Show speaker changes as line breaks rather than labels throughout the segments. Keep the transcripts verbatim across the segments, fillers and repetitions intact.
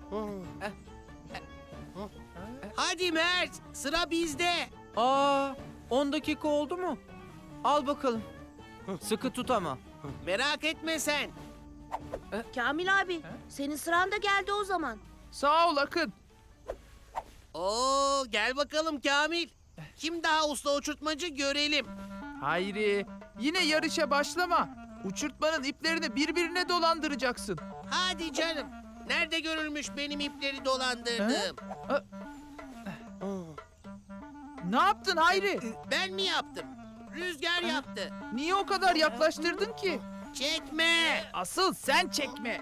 Hadi Mert, sıra bizde.
Aa, on dakika oldu mu? Al bakalım. Sıkı tut ama.
Merak etme sen.
Kamil abi, senin sıran da geldi o zaman.
Sağ ol Akın.
Oo, gel bakalım Kamil. Kim daha usta uçurtmacı görelim.
Hayri, yine yarışa başlama. Uçurtmanın iplerini birbirine dolandıracaksın.
Hadi canım. Nerede görülmüş benim ipleri dolandırdığım?
Ne yaptın Hayri?
Ben mi yaptım? Rüzgar yaptı.
Niye o kadar yaklaştırdın ki?
Çekme.
Asıl sen çekme.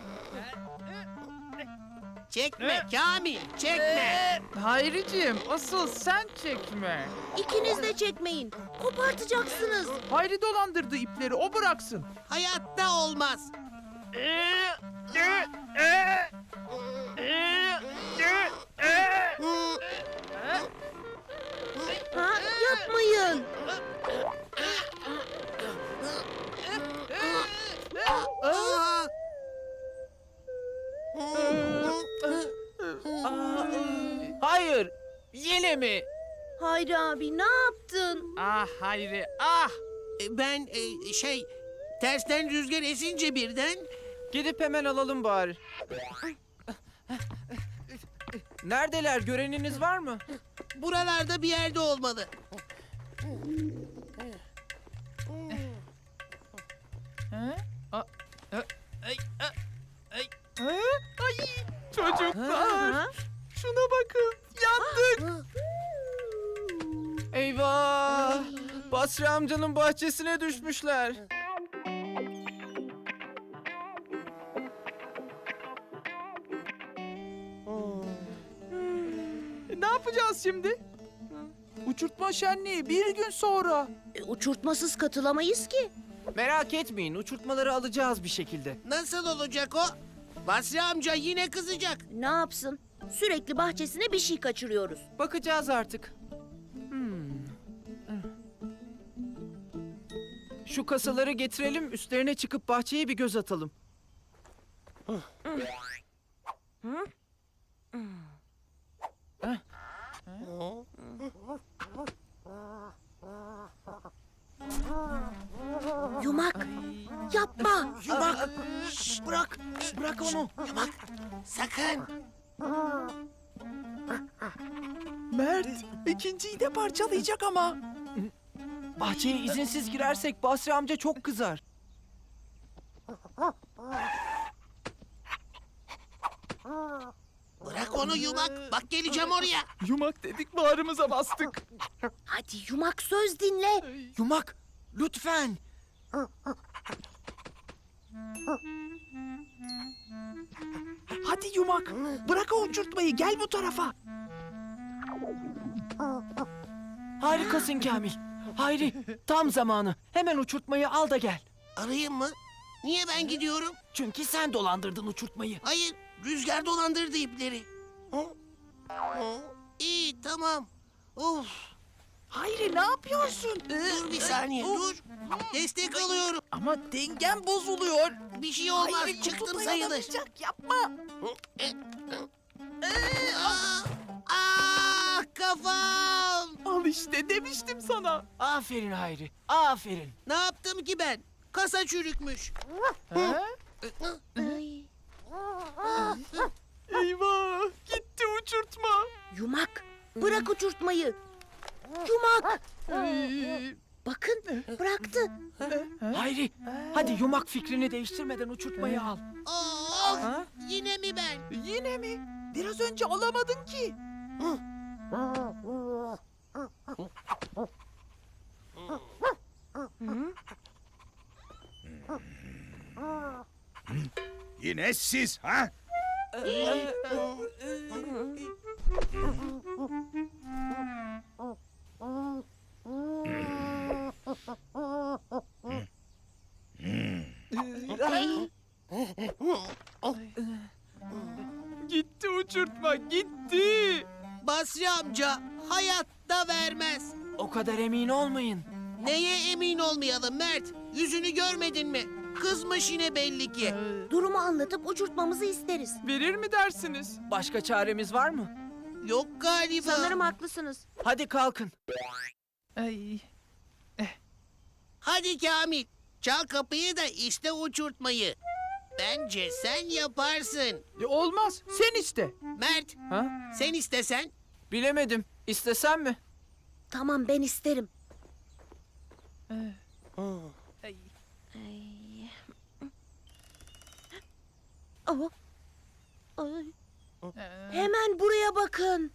Çekme Kamil, çekme.
Hayriciğim, asıl sen çekme.
İkiniz de çekmeyin. Kopartacaksınız.
Hayri dolandırdı ipleri, o bıraksın.
Hayatta olmaz.
Ha, yapmayın.
Aa!
Hayır, yine mi?
Hayri abi, ne yaptın?
Ah Hayri, ah!
Ben e, şey tersten rüzgar esince birden
Gidip hemen alalım bari. Neredeler? Göreniniz var mı?
buralarda bir yerde olmalı.
Ha? A-
Ay, a- ay.
Ha? Ay, çocuklar,
Ha?
şuna bakın, yandık.
Eyvah! Basri amcanın bahçesine düşmüşler.
Ne yapacağız şimdi? Uçurtma şenliği bir gün sonra.
E, uçurtmasız katılamayız ki.
Merak etmeyin, uçurtmaları alacağız bir şekilde.
Nasıl olacak o? Basri amca yine kızacak.
Ne yapsın? Sürekli bahçesine bir şey kaçırıyoruz.
Bakacağız artık. Hmm. Şu kasaları getirelim, üstlerine çıkıp bahçeye bir göz atalım.
Yumak, yapma.
Yumak. Şşş, bırak.
Bırak onu.
Yumak. Sakın.
Mert, ikinciyi de parçalayacak ama.
Bahçeye izinsiz girersek Basri amca çok kızar.
Bırak onu Yumak. Bak geleceğim oraya.
Yumak dedik, bağrımıza bastık.
Hadi Yumak, söz dinle.
Yumak, lütfen.
Hadi Yumak, bırak o uçurtmayı, gel bu tarafa.
Harikasın Kamil. Hayri, tam zamanı. Hemen uçurtmayı al da gel.
Arayayım mı? Niye ben gidiyorum?
Çünkü sen dolandırdın uçurtmayı.
Hayır. Rüzgar dolandırdı ipleri. Hı? Hı? İyi tamam. Of.
Hayri, ne yapıyorsun?
Dur bir saniye dur. Destek alıyorum.
Ama dengen bozuluyor.
Bir şey olmaz.
Hayri,
Çıktım
kutu
sayılır.
dayanamayacak, yapma.
Aa, ah kafam.
Al işte, demiştim sana.
Aferin Hayri, aferin.
Ne yaptım ki ben? Kasa çürükmüş.
Ha?
Ay.
Eyvah, gitti uçurtma.
Yumak, bırak uçurtmayı. Yumak,
Ay,
bakın bıraktı.
Hayri, hadi yumak fikrini değiştirmeden uçurtmayı al.
Oh,
Ha?
yine mi ben?
Yine mi? Biraz önce alamadın ki.
Yine siz ha?
Gitti uçurtma, gitti.
Basri amca hayatta vermez.
O kadar emin olmayın.
Neye emin olmayalım Mert? Yüzünü görmedin mi? Kızmış yine belli ki.
Ee,
Durumu anlatıp uçurtmamızı isteriz.
verir mi dersiniz?
Başka çaremiz var mı?
Yok galiba.
Sanırım haklısınız.
Hadi kalkın.
Ay.
Hadi Kamil. Çal kapıyı da iste uçurtmayı. Bence sen yaparsın.
E, olmaz. Sen iste.
Mert,
Ha?
sen istesen.
Bilemedim. İstesem mi?
Tamam ben isterim.
Ay.
Ay. Oh. Ay.
Ee,
Hemen buraya bakın.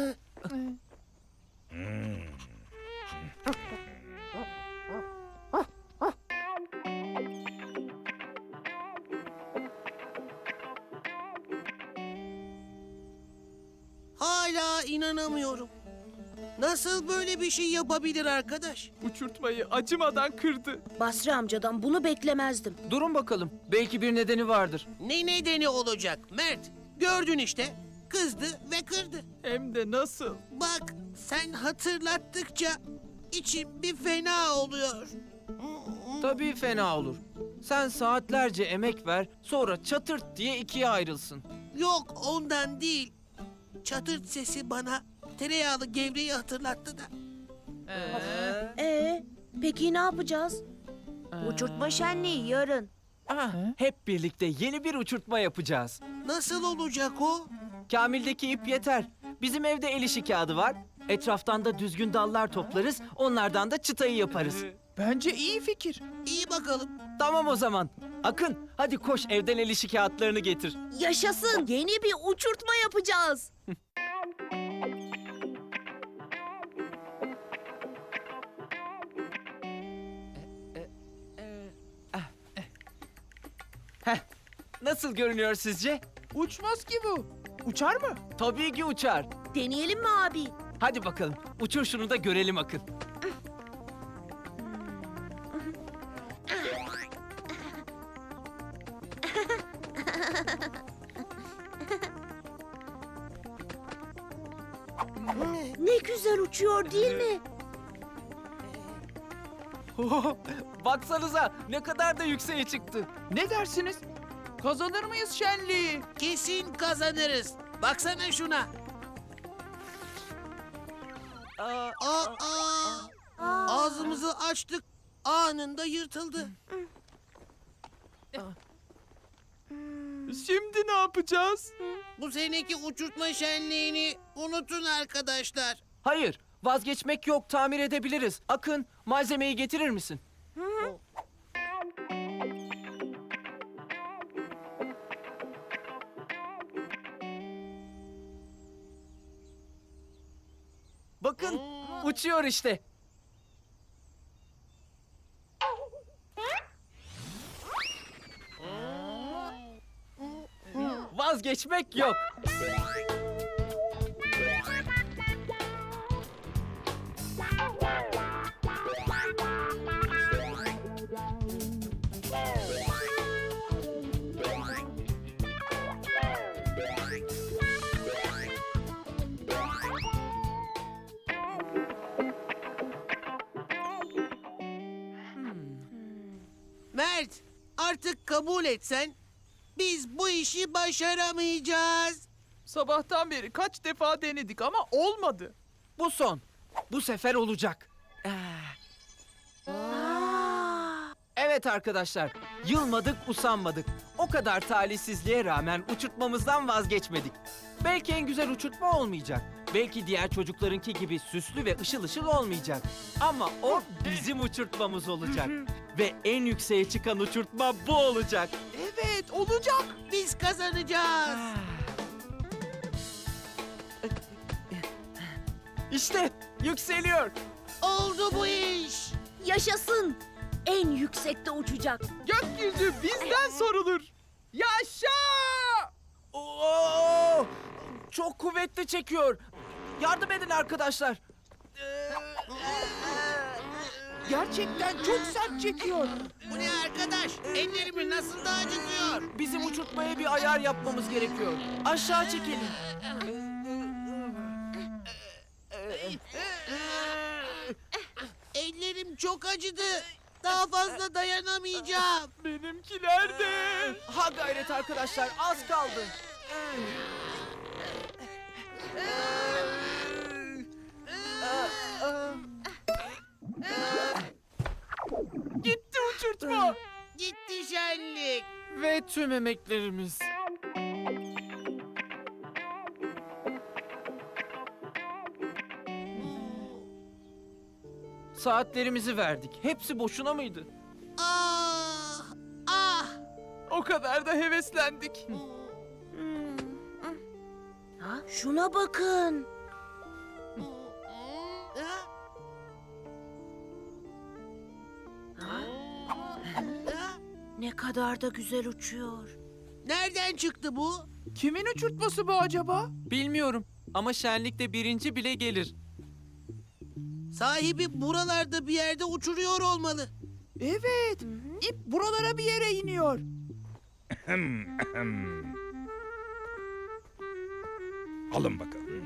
Hala inanamıyorum. Nasıl böyle bir şey yapabilir arkadaş?
uçurtmayı acımadan kırdı.
Basri amcadan bunu beklemezdim.
Durun bakalım. Belki bir nedeni vardır.
Ne nedeni olacak Mert? Gördün işte. Kızdı ve kırdı.
Hem de nasıl?
Bak sen hatırlattıkça içim bir fena oluyor.
Tabii fena olur. Sen saatlerce emek ver, sonra çatırt diye ikiye ayrılsın.
Yok ondan değil. Çatırt sesi bana tereyağlı gevreği hatırlattı da.
Ee,
Ee, peki ne yapacağız?
Ee,
Uçurtma şenliği yarın.
ah, hep birlikte yeni bir uçurtma yapacağız.
Nasıl olacak o?
Kamil'deki ip yeter. Bizim evde el işi kağıdı var. Etraftan da düzgün dallar toplarız, onlardan da çıtayı yaparız.
bence iyi fikir.
İyi bakalım.
Tamam o zaman. Akın, hadi koş evden el işi kağıtlarını getir.
Yaşasın. Yeni bir uçurtma yapacağız.
Nasıl görünüyor sizce?
Uçmaz ki bu. Uçar mı?
Tabii ki uçar.
Deneyelim mi abi?
Hadi bakalım, uçur şunu da görelim Akın.
Ne güzel uçuyor değil mi?
Baksanıza ne kadar da yükseğe çıktı.
Ne dersiniz? Kazanır mıyız şenliği?
Kesin kazanırız. Baksana şuna.
Aa,
Aa, aa. Ağzımızı açtık. Anında yırtıldı.
Şimdi ne yapacağız?
Bu seneki uçurtma şenliğini unutun arkadaşlar.
hayır, vazgeçmek yok, tamir edebiliriz. Akın, malzemeyi getirir misin? Bakın, uçuyor işte. Vazgeçmek yok.
Mert, artık kabul etsen biz bu işi başaramayacağız.
Sabahtan beri kaç defa denedik ama olmadı.
Bu son. Bu sefer olacak. Ah. Evet arkadaşlar, yılmadık, usanmadık. O kadar talihsizliğe rağmen uçurtmamızdan vazgeçmedik. Belki en güzel uçurtma olmayacak. Belki diğer çocuklarınki gibi süslü ve ışıl ışıl olmayacak. Ama o bizim uçurtmamız olacak. Ve en yükseğe çıkan uçurtma bu olacak.
Evet olacak.
Biz kazanacağız.
İşte yükseliyor.
Oldu bu iş.
Yaşasın. En yüksekte uçacak.
Gökyüzü bizden sorulur. Yaşa!
Oo! Çok kuvvetli çekiyor. Yardım edin arkadaşlar.
Gerçekten çok sert çekiyor.
Bu ne arkadaş? Ellerimi nasıl da acıtıyor.
Bizim uçurtmaya bir ayar yapmamız gerekiyor. Aşağı çekelim.
Ellerim çok acıdı. Daha fazla dayanamayacağım.
Benimkiler de.
Ha gayret arkadaşlar, az kaldı.
Gitti uçurtma.
Gitti şenlik.
Ve tüm emeklerimiz. Saatlerimizi verdik. Hepsi boşuna mıydı?
Ah! Ah!
O kadar da heveslendik.
Ha, şuna bakın.
Ah!
Ha,
Ah!
ne kadar da güzel uçuyor.
Nereden çıktı bu?
Kimin uçurtması bu acaba?
Bilmiyorum ama şenlikte birinci bile gelir.
Sahibi buralarda bir yerde uçuruyor olmalı.
Evet. İp buralara bir yere iniyor.
Ahem, ahem. Alın bakalım.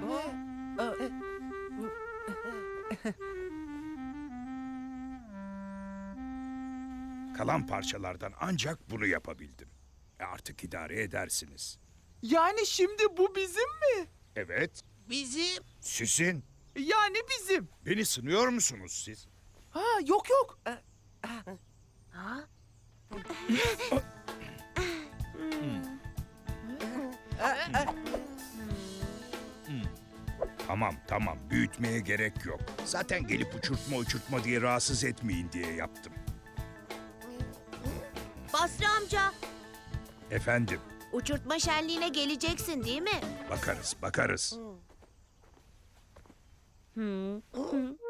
Kalan parçalardan ancak bunu yapabildim. E artık idare edersiniz.
Yani şimdi bu bizim mi?
Evet,
Bizim
sizin.
Yani bizim.
Beni sınıyor musunuz siz?
Ha yok yok.
Ha?
Tamam tamam, büyütmeye gerek yok. Zaten gelip uçurtma uçurtma diye rahatsız etmeyin diye yaptım.
Basri amca,
Efendim,
uçurtma şenliğine geleceksin değil mi?
bakarız bakarız.
Hı.